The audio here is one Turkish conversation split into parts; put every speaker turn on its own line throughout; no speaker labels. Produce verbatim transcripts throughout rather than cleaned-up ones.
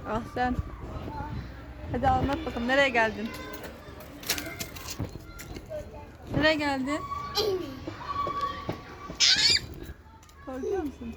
Ah sen. Hadi anlat bakalım, nereye geldin? Nereye geldin? Korkuyor musun?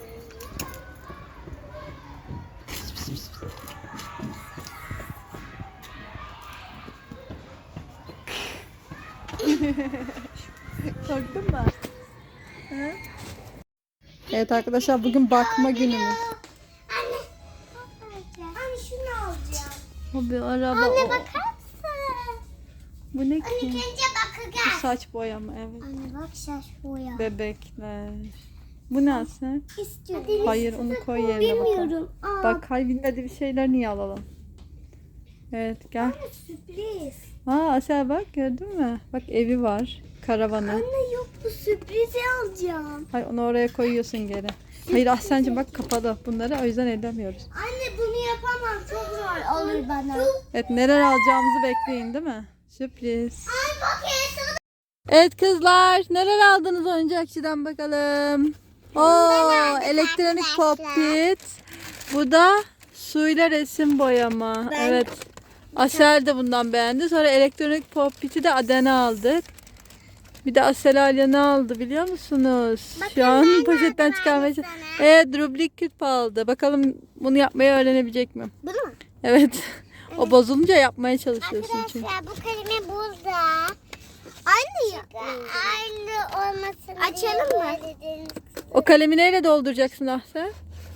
Korktun mu? Hı? Evet arkadaşlar, bugün bakma günümüz.
Anne. Anne şunu alacağım.
O bir araba.
Anne
o.
bakar mısın?
Bu ne
Anne
ki?
önce
Bu
bakacağız.
saç boyama, evet.
Anne bak saç boya.
Bebekler. Bu ne sen?
İstiyorum.
Hayır, onu koy yerine bakalım.
Bilmiyorum. Aa.
Bak, hayır, bilmediği bir şeyler niye alalım? Evet, gel.
Anne sürpriz.
Aa, Asel bak, gördün mü? Bak, evi var. Karavanı.
Anne yok, bu sürprizi alacağım.
Hayır, onu oraya koyuyorsun geri. Hayır Ahsen'cim, bak kapalı. Bunları o yüzden ellemiyoruz.
Anne bunu yapamam, çok zor olur bana.
Evet, neler alacağımızı bekleyin, değil mi? Sürpriz.
Ay bak ya.
Evet kızlar, neler aldınız oyuncakçıdan bakalım. Oo, elektronik popit. Bu da suyla resim boyama.
Ben-
Evet. Asel de bundan beğendi. Sonra elektronik popiti de Aden'e aldık. Bir de Asel Alya ne aldı biliyor musunuz?
Bakın
Şu an
ben
poşetten
aldım
çıkarmaya
aynısını.
çalışıyorum. Evet, Rubik küp aldı. Bakalım bunu yapmayı öğrenebilecek mi?
Bunu mu?
Evet. O bozulunca yapmaya çalışıyorsun çünkü.
Arkadaşlar bu kalemi burada. Aynı ya. Aynı olmasın. Açalım mı?
O kalemi neyle dolduracaksın Ahsen?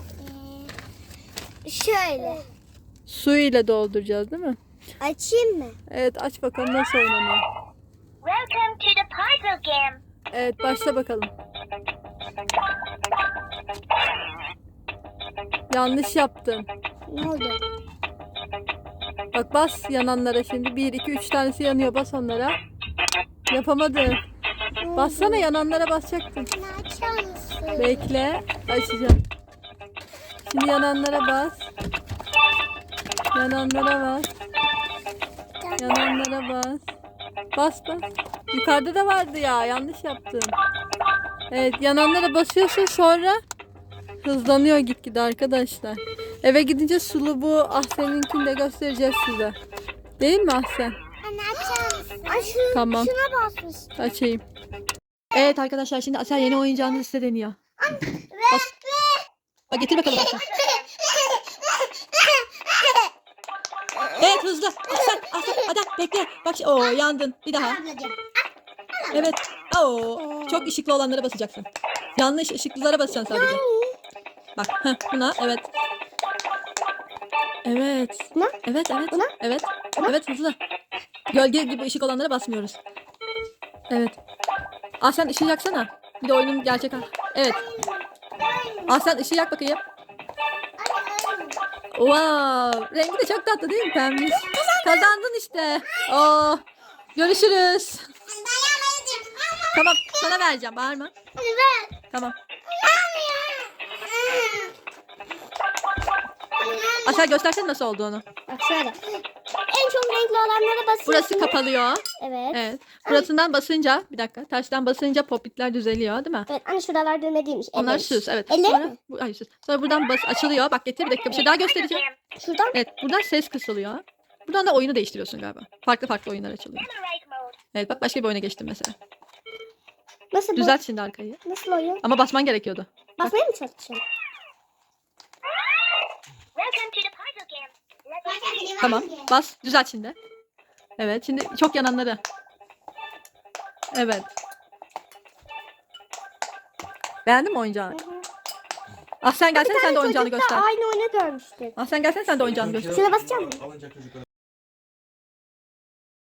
Şöyle.
Su ile dolduracağız değil mi?
Açayım mı?
Evet, aç bakalım nasıl oynanıyor.
Welcome to the puzzle game.
Evet, başla bakalım. Yanlış yaptın.
Ne oldu?
Bak, bas yananlara şimdi. Bir, iki, üç tanesi yanıyor. Bas onlara. Yapamadın. Bassana, yananlara basacaktın.
Ne açar mısın?
Bekle. Açacağım. Şimdi yananlara bas. Yananlara bas. Yananlara bas. Bas bas. Yukarıda da vardı ya. Yanlış yaptın. Evet, yananlara basıyorsun, sonra hızlanıyor gitgide arkadaşlar. Eve gidince sulu bu Ahsen'inkini de göstereceğiz size. Değil mi Ahsen?
Anne açar mısın? Ay şunu,
Tamam.
şuna basmış.
Açayım. Evet arkadaşlar, şimdi Asel yeni oyuncağını size deniyor. Bas. Bak, getir bakalım Ahsen. Evet, hızlı. Ahsen, Ahsen, hadi bekle. Bak, o yandın. Bir daha. Evet. Oo, çok ışıklı olanlara basacaksın. Yanlış ışıklılara basacaksın sadece. Bak, heh, buna evet. Evet.
Buna?
Evet, evet.
Buna?
Evet. Evet, hızlı. Gölge gibi ışık olanlara basmıyoruz. Evet. Ah, sen ışığı yaksana. Bir de oyunun gerçek hali. Evet. Ah, sen ışığı yak bakayım. Wow. Rengi de çok tatlı değil mi pembiş? Kazandın işte. Oo. Görüşürüz. Tamam, sana vereceğim. Bağırma.
Hadi ver.
Tamam. Aşağı göstersene nasıl olduğunu.
Bak şöyle. En çok renkli olanlara basıyorsun.
Burası kapalıyor.
Evet.
Evet. Burasından basınca, bir dakika. Taştan basınca popitler düzeliyor, değil mi?
Evet. Anne şuralar düğme değilmiş.
Onlar
elleri.
süs, evet.
Elleri
Sonra,
mi?
bu, hayır, süs. Sonra buradan bas açılıyor. Bak, getir bir dakika, bir şey daha göstereceğim.
Şuradan.
Evet, buradan ses kısılıyor. Buradan da oyunu değiştiriyorsun galiba. Farklı farklı oyunlar açılıyor. Evet, bak başka bir oyuna geçtim mesela.
Nasıl bu?
Düzelt şimdi arkayı.
Nasıl oyun?
Ama basman gerekiyordu.
Basmaya mı çalışıyorsun?
Tamam. Bas. Düzelt şimdi. Evet. Şimdi çok yananları. Evet. Beğendin mi oyuncağını? Ah, sen gelsene, sen de oyuncağını göster.
Aynı oyunu görmüştük.
Ah, sen gelsene, sen de oyuncağını göster.
Şuna basacağım mı?